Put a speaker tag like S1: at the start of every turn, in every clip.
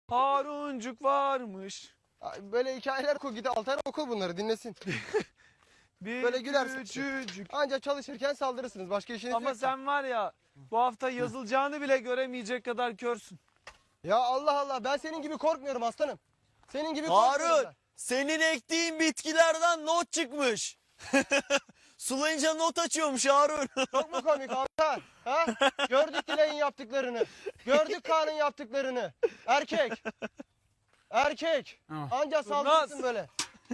S1: Haruncuk varmış.
S2: Böyle hikayeler oku, git Altar oku bunları dinlesin.
S1: Bir
S2: Böyle gülersin.
S1: küçücük.
S2: Ancak çalışırken saldırırsınız. Başka işiniz
S1: Ama
S2: yok.
S1: sen var ya bu hafta yazılacağını bile göremeyecek kadar körsün.
S2: Ya Allah Allah, ben senin gibi korkmuyorum aslanım. Senin gibi
S3: Harun,
S2: korkmuyorum ben.
S3: senin ektiğin bitkilerden not çıkmış. Sulayınca not açıyormuş Harun.
S2: Çok mu komik Altar? Ha? Gördük Dilay'ın yaptıklarını. Gördük Kaan'ın yaptıklarını. Erkek. Erkek. Anca saldırırsın böyle.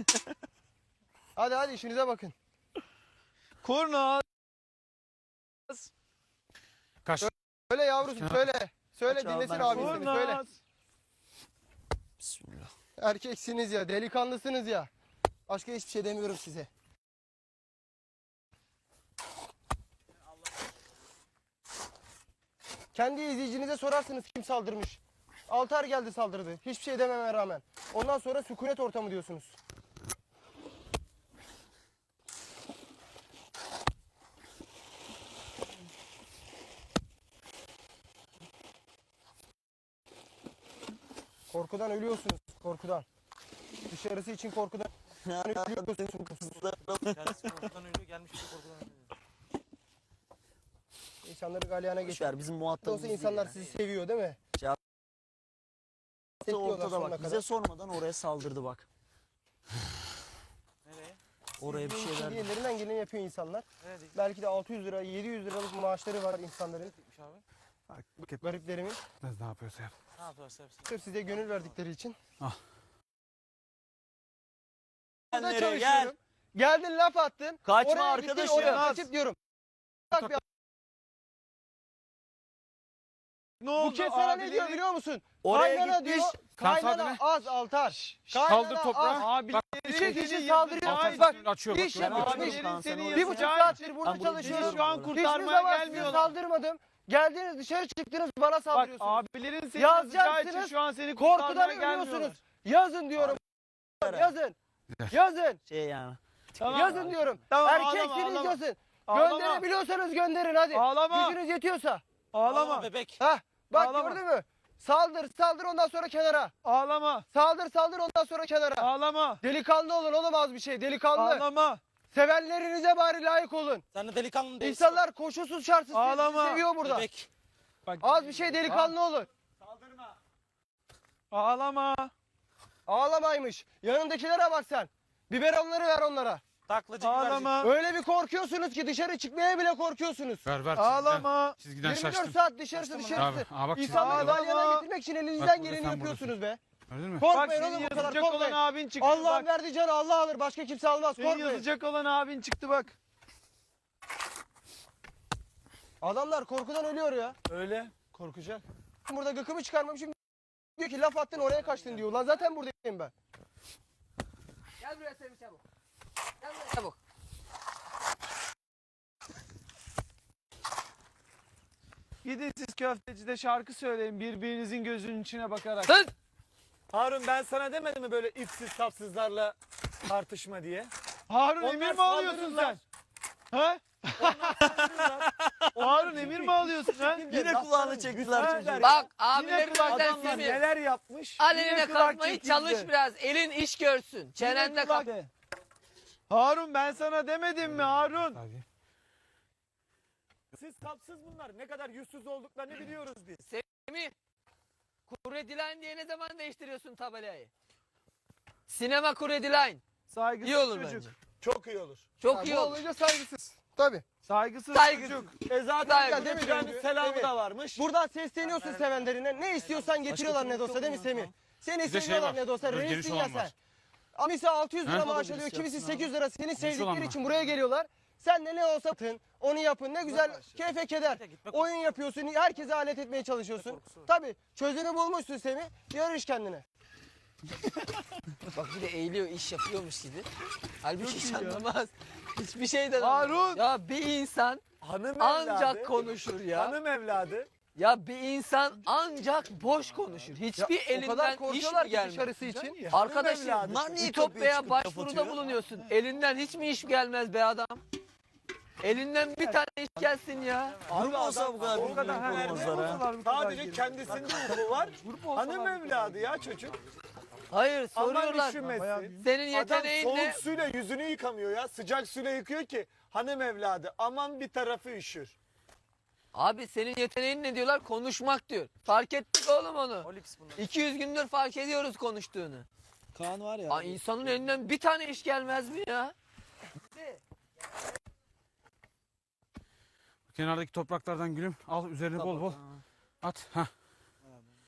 S2: Hadi işinize bakın.
S1: Kurnaz.
S2: Söyle yavrucuğum söyle. Söyle
S3: Aç abi,
S2: dinlesin
S3: ben
S2: abin seni söyle.
S1: Kurnaz.
S3: Bismillah.
S2: Erkeksiniz ya, delikanlısınız ya. Başka hiçbir şey demiyorum size. Kendi izleyicinize sorarsınız kim saldırmış. Altar geldi saldırdı. Hiçbir şey dememe rağmen. Ondan sonra sükunet ortamı diyorsunuz. Korkudan ölüyorsunuz. Korkudan. Dışarısı için korkudan ölüyorsunuz.
S4: Korkudan ölüyor, gelmiş bir korkudan ölüyor.
S2: İnsanları galyana geçiyor.
S3: Boşver, bizim muhatabımız
S2: Olsa
S3: değil
S2: insanlar
S3: ya.
S2: sizi seviyor değil mi?
S3: Ortada
S2: sonuna
S3: bak. Bize
S2: kadar.
S3: sormadan oraya saldırdı bak.
S4: Nereye?
S3: Oraya bir şeyler.
S2: Ellerinden geleni yapıyor insanlar.
S4: Nereye değil?
S2: Belki de 600 lira, 700 liralık maaşları var insanların.
S4: Gitmiş abi.
S2: Gariplerimin.
S5: Ne yapıyorsa yap.
S4: Ne yapıyorsa hepsi.
S2: Sırf size gönül verdikleri için.
S3: Gel
S2: Burada
S3: nereye,
S2: çalışıyorum. Geldin laf attın.
S3: Kaçma
S2: Oraya
S3: arkadaşım.
S2: gittin, oraya
S3: Naz.
S2: kaçıp diyorum. Bak bir-
S1: Ne
S2: bu
S1: oldu?
S2: kez sana ne
S1: Abileri-
S2: diyor biliyor musun?
S3: Oraya
S2: Kaynana
S3: gitmiş.
S2: diyor.
S5: Sen
S2: Kaynana
S5: saldırı.
S2: az Altar.
S5: Kaldır
S2: Kaynana
S5: toprağı.
S2: az.
S1: Abileri
S2: İki
S1: seni
S2: kişi
S1: yazıcı-
S2: saldırıyor.
S1: Ay,
S2: Bak
S5: Açıyor
S2: iş
S5: bak.
S2: yapıyor.
S3: Abilerin
S2: İş.
S3: seni
S2: Bir buçuk saattir burada
S3: Ben bunu
S2: çalışıyorum.
S3: biliyorum.
S1: Şu an
S2: Hiçbir
S1: kurtarmaya
S2: zaman size
S1: gelmiyorlar.
S2: saldırmadım. Geldiniz dışarı çıktınız bana
S1: Bak
S2: saldırıyorsunuz.
S1: abilerin seni yazacağı için
S2: Yazacaksınız.
S1: şu an seni
S2: Korkudan
S1: kurtarmaya gelmiyorlar.
S2: ölüyorsunuz. Yazın diyorum. Yazın. Yazın.
S3: Şey yani.
S1: Tamam.
S2: Yazın diyorum.
S1: Tamam,
S2: Erkeksiniz
S1: ağlama.
S2: yazın.
S1: Ağlama.
S2: Gönderebiliyorsanız gönderin hadi.
S1: Ağlama.
S2: Gücünüz yetiyorsa.
S1: Ağlama.
S4: Bebek.
S2: Hah bak
S1: Ağlama.
S2: gördün mü? Saldır ondan sonra kenara.
S1: Ağlama.
S2: Saldır ondan sonra kenara.
S1: Ağlama.
S2: Delikanlı olun oğlum az bir şey delikanlı.
S1: Ağlama.
S2: Sevenlerinize bari layık olun.
S4: Sen de delikanlı değilsin.
S2: İnsanlar koşulsuz şartsız sizi
S1: Ağlama.
S2: seviyor burada.
S4: Bebek.
S1: Bak,
S2: Az bir şey delikanlı olun.
S1: ağlama.
S2: Ağlamaymış. Yanındakilere bak sen. Biberonları ver onlara.
S4: Taklacı
S1: Ağlama.
S2: Öyle bir korkuyorsunuz ki dışarı çıkmaya bile korkuyorsunuz.
S5: Ver.
S1: Ağlama.
S5: Çizgiden
S2: 24
S5: şaştım.
S2: saat dışarısı
S5: Abi,
S2: dışarısı.
S5: bak
S2: İnsanları
S1: Ağlama.
S2: galyana getirmek için
S5: Bak
S2: elinizden
S5: burada,
S2: geleni
S5: sen
S2: yapıyorsunuz be.
S5: Gördün mü?
S1: Bak
S2: Korkmayın
S1: seni
S2: oğlum o kadar
S1: yazacak olan
S2: korkmayın.
S1: abin çıktı.
S2: Allah'ın
S1: Bak.
S2: verdiği canı Allah alır. Başka kimse almaz.
S1: Seni
S2: Korkmayın.
S1: yazacak olan abin çıktı bak.
S2: Adamlar korkudan ölüyor ya.
S1: Öyle. Korkacak.
S2: Burada gıkımı çıkarmamışım. Diyor ki laf attın oraya kaçtın diyor. Lan zaten buradayım ben.
S6: Gel buraya Semih çabuk. Gel buraya çabuk.
S1: Gidin siz köftecide şarkı söyleyin birbirinizin gözünün içine bakarak.
S6: Sus!
S4: Harun ben sana demedim mi böyle ipsiz sapsızlarla tartışma diye?
S1: Harun
S4: Onlar
S1: emir mi alıyorsun sen? Ha? Harun emir mi alıyorsun ha?
S3: Yine kulağını çektiler çocuğu.
S6: Bak
S1: Yine
S6: abilerin
S1: kulak
S6: benden
S1: adamlar
S6: sizi.
S1: neler yapmış?
S6: Aleyhine
S1: Yine kulak
S6: kalkmayı
S1: çekildi.
S6: çalış biraz. Elin iş görsün. Çenende
S1: Yine
S6: kal.
S1: kulak. Harun ben sana demedim mi Harun?
S5: Hadi.
S4: Siz sapsız bunlar. Ne kadar yüzsüz olduklarını biliyoruz biz.
S6: Semih. Kurediline diye ne zaman değiştiriyorsun tabelayı? Sinema Kurediline.
S1: Saygısız
S6: İyi olur
S1: çocuk.
S6: bence.
S4: Çok iyi olur.
S6: Çok iyi
S2: Bu
S6: olur.
S2: olunca saygısız. Tabii.
S1: Saygısız,
S6: Saygısız.
S1: çocuk.
S4: Zaten
S6: Saygı.
S2: Değil mi?
S4: Semih selamı
S2: Evet.
S4: da varmış.
S2: Buradan sesleniyorsun sevenlerine. Ne istiyorsan getiriyorlar ne de olsa değil mi Semih? Seni
S5: Bizde şey
S2: seviyorlar
S5: var.
S2: ne de olsa.
S5: Biraz geniş
S2: Reissin ya
S5: olan
S2: sen.
S5: var.
S2: Kimisi 600 lira
S5: Ha?
S2: maaş alıyor, kimisi 800 lira. Seni
S5: olan
S2: sevdikleri
S5: var.
S2: için buraya geliyorlar. Sen de ne olsa atın, onu yapın. Ne güzel keyfe keder. Oyun yapıyorsun, herkese alet etmeye çalışıyorsun. Tabii çözümü bulmuşsun Semih. Yarış kendine.
S6: Bak bir de eğiliyor iş yapıyormuş gibi. Halbuki hiç anlamaz. Hiçbir şeyden anlamaz.
S1: Harun.
S6: Ya bir insan
S4: Hanım
S6: ancak
S4: evladı.
S6: konuşur ya.
S4: Hanım evladı.
S6: Ya bir insan ancak boş konuşur. Hiçbir
S2: O kadar
S6: elinden iş
S2: korkuyorlar
S6: mi
S2: ki
S6: gelmez?
S2: dışarısı için.
S6: Arkadaşım
S4: evladı.
S3: Bunlar niye kapıyı
S6: Ütopya'ya
S3: çıkıp
S6: başvuruda
S3: kapatıyor?
S6: bulunuyorsun. Elinden hiç mi iş gelmez be adam? Elinden bir tane iş gelsin ya.
S3: Grup olsa bu kadar
S1: O kadar
S3: birbirine korumazlar ha.
S4: Sadece kendisinde ufku var. Hanım evladı ya çocuk.
S6: Hayır
S4: Aman
S6: soruyorlar.
S4: üşümesin.
S6: Senin
S4: Adam
S6: yeteneğin
S4: soğuk
S6: ne?
S4: suyla yüzünü yıkamıyor ya. Sıcak suyla yıkıyor ki hanım evladı aman bir tarafı üşür.
S6: Abi senin yeteneğin ne diyorlar? Konuşmak diyor. Fark ettik oğlum onu.
S3: Olips bunlar.
S6: 200 gündür fark ediyoruz konuştuğunu.
S3: Kaan var ya.
S6: Aa, insanın elinden bir tane iş gelmez mi ya?
S5: Kenardaki topraklardan gülüm al üzerine bol bol at. Hah.